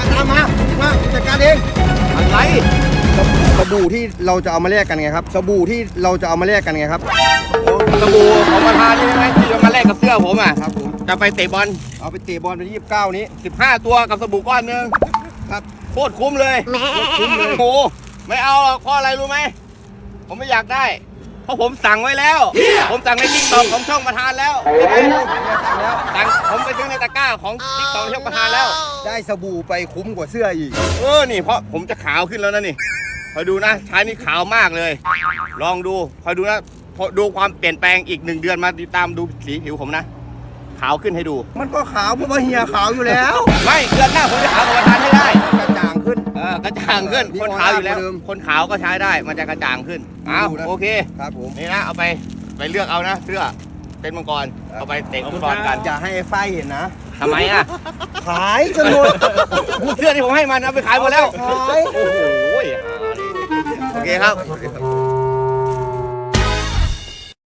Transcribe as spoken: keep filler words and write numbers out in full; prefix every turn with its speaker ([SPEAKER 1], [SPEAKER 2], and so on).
[SPEAKER 1] ตามมามาจัดการเองอะไรสบู่ที่เราจะเอามาแลกกันไงครับสบู่ที่เราจะเอามาแลกกันไงครับสบู่ของประธานนี่ใช่ไหมที่จะมาแลกกับเสื้อผมอ่ะครับผมจะไปเตะบอลเอาไปเตะบอลวันที่ยี่สิบเก้านี้สิบห้าตัวกับสบู่ก้อนนึงครับโคตรคุ้มเลยคุ้มเลยโอ้ไม่เอาหรอกเพราะอะไรรู้ไหมผมไม่อยากได้เพราะผมสั่งไว้แล้วผมสั่งในติ๊กต็อกของช่องประธานแล้วสั่งแล้วสั่งผมไปซื้อในตะกร้าของติ๊กต็อกช่องประธานแล้วได้สบู่ไปคุ้มกว่าเสื้ออีกเออนี่เพราะผมจะขาวขึ้นแล้วนะนี่คอยดูนะใช้นี่ขาวมากเลยลองดูคอยดูนะดูความเปลี่ยนแปลงอีกหนึ่งเดือนมาติดตามดูสีผิวผมนะขาวขึ้นให้ดูมันก็ขาวเพราะว่าเฮียขาวอยู่แล้วไม่เดือนหน้าผมจะขาวกว่าประธานให้ได้กระจ่างขึ้นเออกระจ่างขึ้นคนขาวอยู่แล้วคนขาวก็ใช้ได้มันจะกระจ่างขึ้นอ้าวโอเคครับผมนี่นะเอาไปไปเลือกเอานะเสื้อเป็นมังกรเอาไปเตะฟุตบอลกันอย่าให้ไอ้ฝ้ายเห็นนะทำไมอ่ะขายจนหมดเสื้อที่ผมให้มันเอาไปขายหมดแล้วขายโอ้โหโอเคครับ